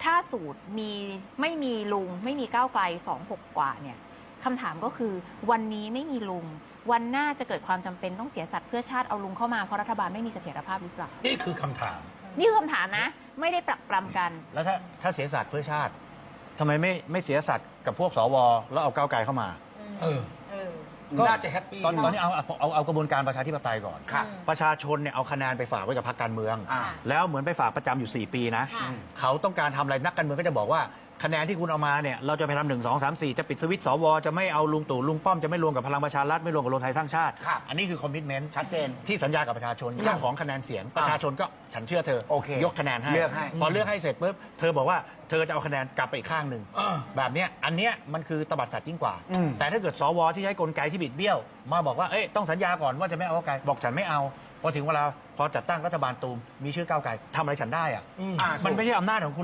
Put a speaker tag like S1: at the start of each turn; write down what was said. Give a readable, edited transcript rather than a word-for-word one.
S1: ถ้าสูตรไม่มีลุงไม่มีก้าวไกล26กว่าเนี่ยคำถามก็คือวันนี้ไม่มีลุงวันหน้าจะเกิดความจำเป็นต้องเสียสัตว์เพื่อชาติเอาลุงเข้ามาเพราะรัฐบาลไม่มีเสถียรภาพหรือเปล่า
S2: นี่คือคำถาม
S1: นี่คือคำถามนะไม่ได้ปรักปรำกัน
S3: แล้วถ้าเสียสัตว์เพื่อชาติทำไมไม่เสียสัตว์กับพวกสวแล้วเอาก้าวไกลเข้ามา
S2: ก็น่าจะแฮปปี้
S3: ตอนนี้เอากระบวนการประชาธิปไตยก่อนประชาชนเนี่ยเอาคะแนนไปฝากไว้กับพรรคการเมืองแล้วเหมือนไปฝากประจำอยู่4 ปีนะเขาต้องการทำอะไรนักการเมืองก็จะบอกว่าคะแนนที่คุณเอามาเนี่ยเราจะไปทำ1 2 3 4จะปิดสวิตช์สวจะไม่เอาลุงตู่ลุงป้อมจะไม่รวมกับพลังประชารัฐไม่รวมกับรวมไทยสร้างชาติอันนี้คือคอมมิชเมนต์ชัดเจนที่สัญญากับประชาชนเจ้าของคะแนนเสียงประชาชนก็ฉันเชื่อเธอยกคะแนนให้พอเลือกให้เสร็จปุ๊บเธอบอกว่าเธอจะเอาคะแนนกลับไปอีกข้างหนึ่งแบบนี้อันเนี้ยมันคือตบัดสัตว์ยิ่งกว่าแต่ถ้าเกิดสวที่ใช้กลไกที่บิดเบี้ยวมาบอกว่าต้องสัญญาก่อนว่าจะไม่เอาก้าวไกลบอกฉันไม่เอาพอถึงเวลาพอจัดตั้งรัฐบาลตูมมีชื่อก้าวไกลทำอะไรฉันได้อะมันไม่ใช่อำนาจของคุณ